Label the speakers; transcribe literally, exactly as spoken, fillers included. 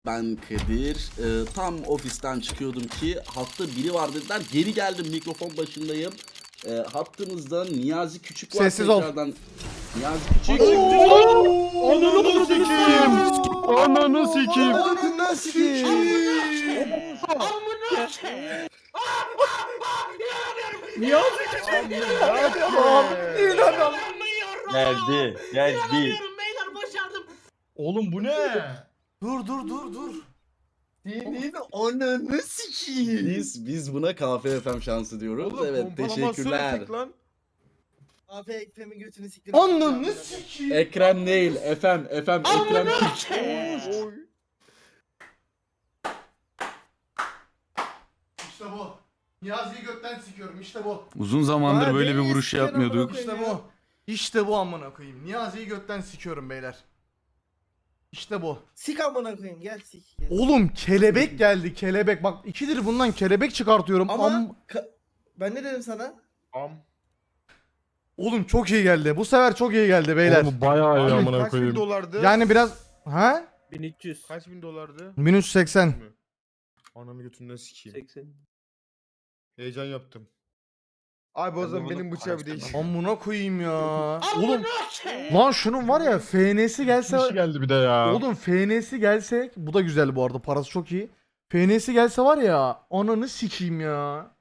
Speaker 1: Ben Kadir. Ee, tam ofisten çıkıyordum ki hatta biri var dediler. Geri geldim, mikrofon başındayım. Ee, hattımızda Niyazi Küçük var.
Speaker 2: Sessiz ol.
Speaker 1: Tekrardan Niyazi Küçük.
Speaker 3: Ananı sikeyim. Ananı sikeyim.
Speaker 2: Ananı sikeyim.
Speaker 3: Niyazi Küçük.
Speaker 2: İnanamıyorum.
Speaker 4: Geldi, geldi.
Speaker 5: Beyler başardım.
Speaker 3: Oğlum bu ne?
Speaker 2: Dur dur dur dur. Senin ananı sikeyim.
Speaker 1: Biz biz buna K F F M şansı diyoruz.
Speaker 3: Oğlum,
Speaker 1: Evet,
Speaker 3: pompalamasını
Speaker 1: teşekkürler.
Speaker 3: tek lan.
Speaker 5: Abi Ekrem'in götünü siktir.
Speaker 2: Ananı sikeyim.
Speaker 1: Ekrem değil, efem, efem, Ekrem Küçük.
Speaker 3: Oy.
Speaker 2: İşte bu. Niyazi'yi gökten sikiyorum işte bu.
Speaker 6: Uzun zamandır
Speaker 2: Ha,
Speaker 6: böyle bir
Speaker 2: beni
Speaker 6: vuruş
Speaker 2: siken
Speaker 6: yapmıyorduk.
Speaker 2: amına koyayım İşte bu. İşte bu amına koyayım. Niyazi'yi gökten sikiyorum beyler. İşte bu.
Speaker 5: Sik amına koyayım gel sik. Gel.
Speaker 2: Oğlum kelebek geldi kelebek. Bak ikidir bundan kelebek çıkartıyorum.
Speaker 5: Ama
Speaker 2: Am-
Speaker 5: ka- ben ne dedim sana?
Speaker 3: Am.
Speaker 2: Oğlum çok iyi geldi. Bu sefer çok iyi geldi beyler.
Speaker 3: Oğlum bayağı iyi
Speaker 7: Abi
Speaker 3: amına
Speaker 7: kaç bin
Speaker 3: koyayım.
Speaker 7: dolardı?
Speaker 2: Yani biraz ha?
Speaker 5: bin üç yüz.
Speaker 7: Kaç bin dolardı?
Speaker 2: bin üç yüz seksen.
Speaker 7: Ananı götünden sikeyim.
Speaker 5: seksen.
Speaker 7: Heyecan yaptım. Abi o zaman benim bıçağı bir değiş.
Speaker 2: Amına koyayım ya. Oğlum lan şunun var ya F N'si gelse
Speaker 3: Kişi geldi bir de ya.
Speaker 2: oğlum F N'si gelse bu da güzel bu arada parası çok iyi. F N'si gelse var ya ananı sikeyim ya.